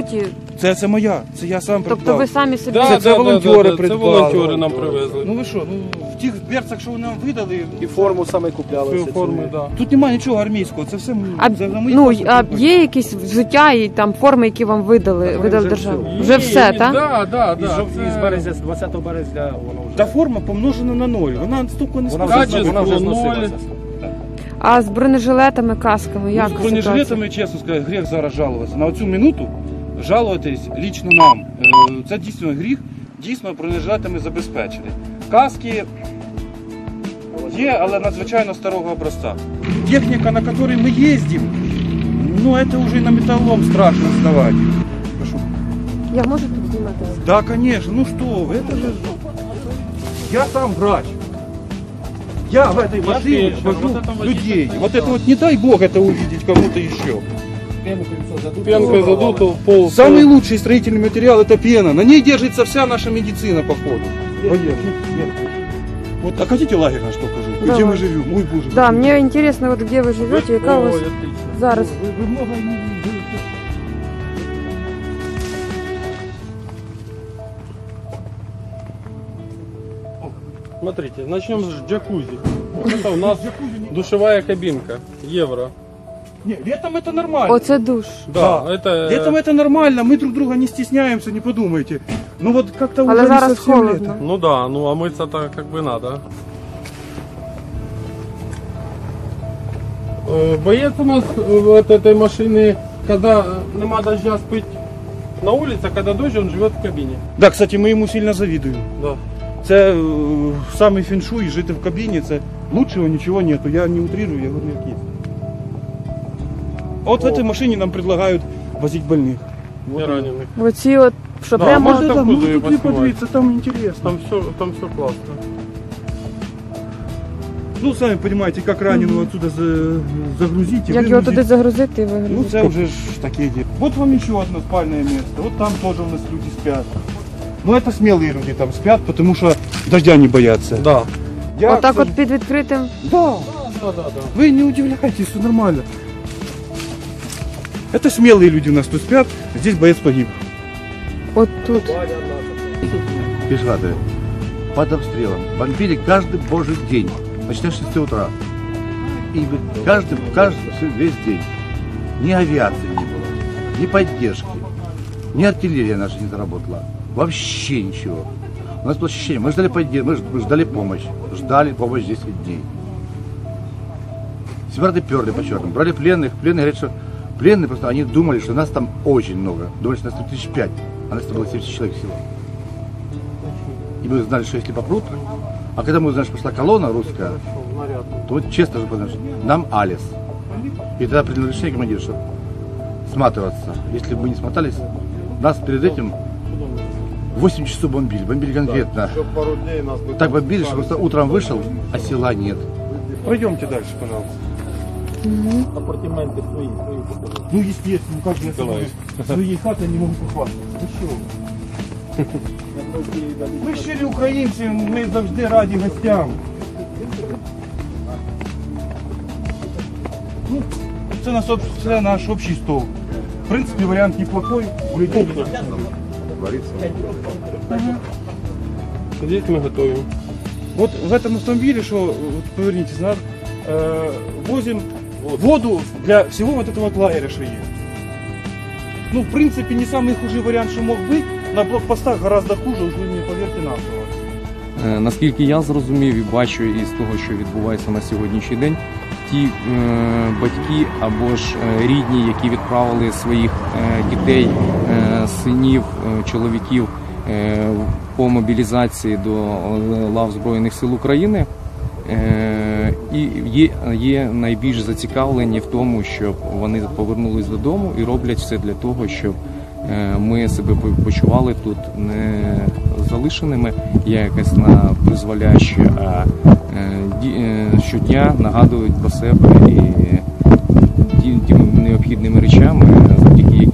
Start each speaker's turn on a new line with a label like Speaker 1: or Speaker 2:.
Speaker 1: суті...
Speaker 2: Це моя, це я сам придбав.
Speaker 1: Тобто ви самі собі...
Speaker 2: Це волонтери придбали.
Speaker 3: Це волонтери нам привезли.
Speaker 2: Ну ви що, в тих берцах, що ви нам видали...
Speaker 4: І форму саме купляли.
Speaker 2: Тут немає нічого армійського, це все
Speaker 1: є якісь взуття і там форми, які вам видали державу? Вже все, так?
Speaker 3: Так.
Speaker 4: Із березня, з 20 березня воно вже...
Speaker 2: Та форма помножена на 0, вона стільки не
Speaker 3: спасає.
Speaker 4: Вона вже зносилася.
Speaker 1: А з бронежилетами, касками, як
Speaker 2: ситуація? З бронежилетами, чесно сказати, гріх зараз жалуватися. На оцю минуту жалуватись лично нам. Це дійсно гріх, дійсно бронежилетами забезпечені. Каски є, але надзвичайно старого образця. Техніка, на якій ми їздимо, ну це вже на металлом страшно вставати.
Speaker 1: Я можу тут знімати?
Speaker 2: Да, конечно, ну что вы, это же... Я сам врач. Я в этой машине вожу людей. Вот это вот не дай бог это увидеть кому-то еще.
Speaker 3: Пенкой задуто в пол.
Speaker 2: Самый лучший строительный материал это пена. На ней держится вся наша медицина, походу. Вот, а хотите лагерь наш покажу? Где мы живем? Ой, боже.
Speaker 1: Да, мне интересно, вот где вы живете, яка у вас зараз.
Speaker 2: Вы много не живете.
Speaker 3: Смотрите, начнем с джакузи. Это у нас душевая кабинка, евро.
Speaker 2: Не, летом это нормально.
Speaker 1: Оце душ.
Speaker 3: Да, это...
Speaker 2: Летом это нормально, мы друг друга не стесняемся, не подумайте. Ну вот как-то уже
Speaker 1: Але
Speaker 2: не
Speaker 1: зараз
Speaker 2: совсем
Speaker 1: холодно.
Speaker 2: лето.
Speaker 3: Ну да, ну а мыться-то как бы надо. Боец у нас от этой машины, когда нема дождя, спить на улице, а когда дождь, он живет в кабине.
Speaker 2: Да, кстати, мы ему сильно завидуем.
Speaker 3: Да.
Speaker 2: Це самий феншуй, жити в кабіні, це лучшего ничего нету. Я не утрирую, я говорю, як є. А вот в этой машине нам предлагают возить больных.
Speaker 3: Не раненых.
Speaker 1: Оці от, що
Speaker 3: Да,
Speaker 1: прямо...
Speaker 3: можна
Speaker 2: Да,
Speaker 3: куди
Speaker 2: ну, тут
Speaker 3: поснимать?
Speaker 2: подивитися, там интересно.
Speaker 3: Там все классно.
Speaker 2: Ну, сами понимаете, как раненого отсюда загрузить и
Speaker 1: Як його
Speaker 2: выгрузить.
Speaker 1: туди загрузити і
Speaker 2: Ну,
Speaker 1: вигрузити?
Speaker 2: це вже ж таке діло. Вот вам еще одно спальное место. Вот там тоже у нас люди спят. Ну, это смелые люди там спят, потому что дождя не боятся.
Speaker 3: Да.
Speaker 2: Я,
Speaker 1: Отак
Speaker 2: кстати,
Speaker 1: от під відкритим?
Speaker 2: Да. Вы не удивляйтесь, все нормально. Это смелые люди у нас тут спят, здесь боец погиб.
Speaker 1: От тут.
Speaker 5: Пешеходы под обстрелом бомбили каждый божий день, начиная с 6 утра. И каждый весь день. Ни авиации не было, ни поддержки, ни артиллерия наша не заработала. Вообще ничего. У нас было ощущение, мы ждали поддержки, мы ждали помощь 10 дней. Сепараты перли по черным, брали пленных, пленные говорят, что пленные просто, они думали, что нас там очень много, думали, что нас там 1005, а нас там было 70 человек всего. И мы знали, что если попрут, а когда мы узнали, что пошла колонна русская, то вот честно же поняли, что нам Алис. И тогда принял решение командир, что сматываться. Если бы мы не смотались, нас перед этим 8 часов бомбили конкретно. Так бомбили, что просто утром вышел, а села нет.
Speaker 2: Пройдемте дальше, пожалуйста.
Speaker 4: Апартаменти свої.
Speaker 2: Ну, естественно, как же я своей хаты не могу похвастаться. Ну что? Ми щирі українці, ми завжди раді гостям. Ну, це наш общий стол. В принципе, вариант неплохой. У людей
Speaker 3: Здесь мы готовим.
Speaker 2: Вот в этом автомобиле, что, вот, повернитесь назад, возим воду для всего вот этого вот лагеря, что есть. Ну, в принципе, не самый худший вариант, что мог быть. На блокпостах гораздо хуже, уж вы мне поверьте на слово.
Speaker 6: Наскільки я зрозумів і бачу із того, що відбувається на сьогоднішній день, ті батьки або ж рідні, які відправили своїх дітей, синів, чоловіків по мобілізації до лав Збройних сил України, і є найбільш зацікавлені в тому, щоб вони повернулись додому і роблять все для того, щоб ми себе почували тут не залишеними, я якась на призволяще, а щодня нагадують про себе і тими необхідними речами, завдяки